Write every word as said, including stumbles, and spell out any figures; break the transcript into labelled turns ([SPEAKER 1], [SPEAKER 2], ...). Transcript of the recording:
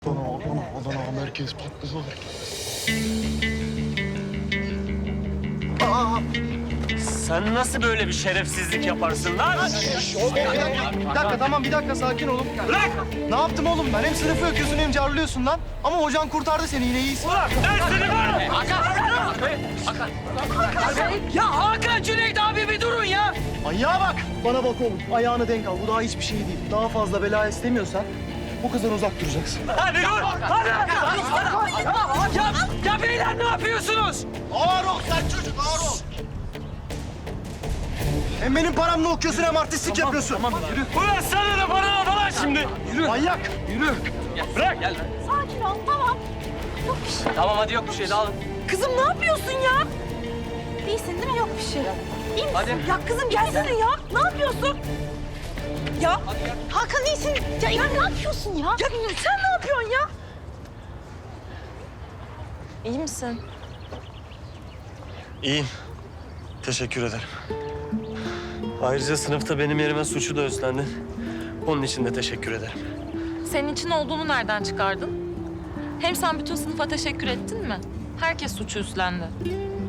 [SPEAKER 1] Adana, Adana, Adana, merkez patladı.
[SPEAKER 2] Aa, sen nasıl böyle bir şerefsizlik yaparsın lan?
[SPEAKER 1] Bir dakika, tamam bir dakika sakin olun.
[SPEAKER 2] Bırak!
[SPEAKER 1] Ne yaptım oğlum ben? Hem sınıfı öküyorsun hem carlıyorsun lan. Ama hocan kurtardı seni, yine iyisin.
[SPEAKER 2] Ulan ben seni var!
[SPEAKER 3] Ya Hakan, Cüneyt abi bir durun ya.
[SPEAKER 1] Manyağa bak. Bana bak oğlum, ayağını denk al. Bu daha hiçbir şey değil. Daha fazla bela istemiyorsan bu kızdan uzak duracaksın.
[SPEAKER 2] Hadi dur! Hadi!
[SPEAKER 3] Ya, ya beyler ne yapıyorsunuz?
[SPEAKER 1] Ağır ol sen çocuk, ağır ol. Hem benim paramla okuyorsun hem artistlik yapıyorsun. Tamam, yürü.
[SPEAKER 2] Ulan sana da bana da lan şimdi!
[SPEAKER 1] Yürü. Manyak. Yürü.
[SPEAKER 2] Bırak! Gel.
[SPEAKER 4] Sakin ol, tamam. Yok bir şey.
[SPEAKER 2] Tamam hadi yok bir şey dağılın.
[SPEAKER 4] Kızım ne yapıyorsun ya? İyisin değil mi? Yok bir şey. İyi misin?
[SPEAKER 2] Hadi.
[SPEAKER 4] Ya kızım gelsene ya. Ne yapıyorsun? Ya Hakan iyisin. Ya, ya ne yapıyorsun ya? Ya sen ne yapıyorsun ya? İyi misin?
[SPEAKER 2] İyiyim. Teşekkür ederim. Ayrıca sınıfta benim yerime suçu da üstlendi. Onun için de teşekkür ederim.
[SPEAKER 5] Senin için olduğunu nereden çıkardın? Hem sen bütün sınıfa teşekkür ettin mi? Herkes suçu üstlendi.